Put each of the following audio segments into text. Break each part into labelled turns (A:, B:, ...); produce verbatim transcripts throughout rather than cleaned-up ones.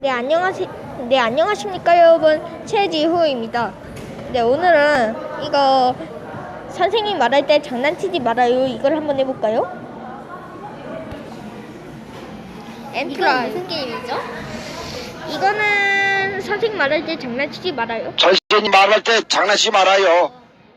A: 네, 안녕하시, 네, 안녕하십니까, 여러분. 최지후입니다. 네, 오늘은 이거 선생님 말할 때 장난치지 말아요. 이걸 한번 해볼까요?
B: 이건
A: 엔트라이.
B: 무슨 게임이죠?
A: 이거는 선생님 말할 때 장난치지 말아요.
C: 선생님 말할 때 장난치지 말아요.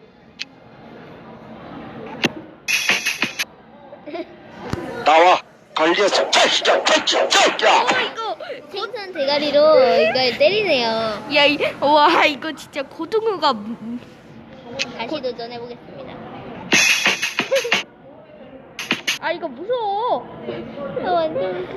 C: 나와 걸려서 자식아 자식아 자식아.
A: 어, 이거.
B: 생선 대가리로 이걸 때리네요.
A: 야, 이, 와, 이거 진짜 고등어가. 음,
B: 다시 도전해보겠습니다.
A: 아, 이거 무서워.
B: 아, 완전.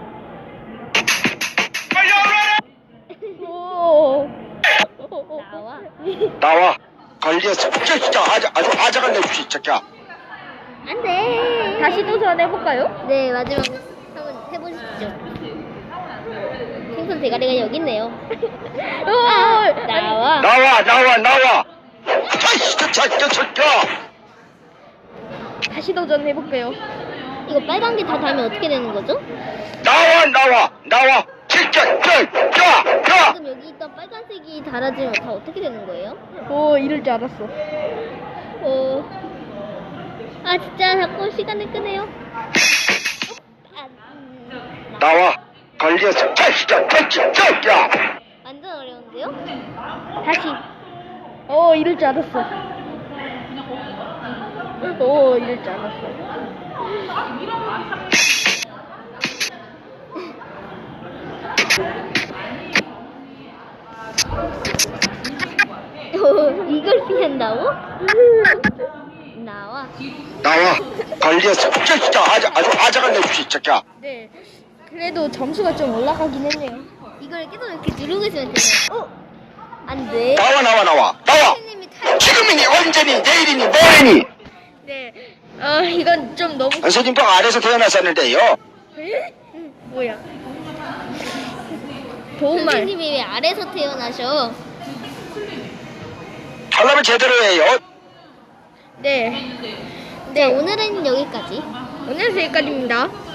A: 오.
B: 나와.
C: 나와 걸려서 자식아 아주 아주 아작을 내주시 자식아.
B: 안 돼.
A: 다시 도전해볼까요?
B: 네, 마지막 한번 해보시죠. 생선 대가리가 여기 있네요. 아,
A: 어,
B: 나와.
C: 나와 나와 나와 자식아 자식아 자식아.
A: 다시 도전해볼게요.
B: 이거 빨간 게 다 닿으면 어떻게 되는 거죠?
C: 나와 나와 나와 자식아 자식아.
B: 지금 여기 있던 빨간색이 달아지면 다 어떻게 되는 거예요?
A: 오, 이럴 줄 알았어.
B: 어. 아, 진짜 자꾸 시간을 끄네요. 아, 음,
C: 나와 걸려서 자식아 자식아 자식아.
B: 완전 어려운데요?
A: 다시. 오, 이럴 줄 알았어. 오, 이럴 줄 알았어.
B: 이걸 피한다고? 나와.
C: 나와 걸려서 자식아 아주 아주 아작을 내주시 자식아.
A: 네. 그래도 점수가 좀 올라가긴 했네요.
B: 이걸 계속 이렇게 누르고 있으면 되나요? 어? 안 돼.
C: 나와 나와 나와 나와.
B: 선생님이 탈.
C: 지금이니 언제니 내일이니 모레니.
A: 네. 어, 이건 좀 너무.
C: 선생님도 아래서 태어났었는데요.
A: 에? 뭐야? 도움말.
B: 선생님이 왜 아래서 태어나셔?
C: 하려면 제대로 해요.
A: 네.
B: 네, 오늘은 여기까지.
A: 오늘 여기까지입니다.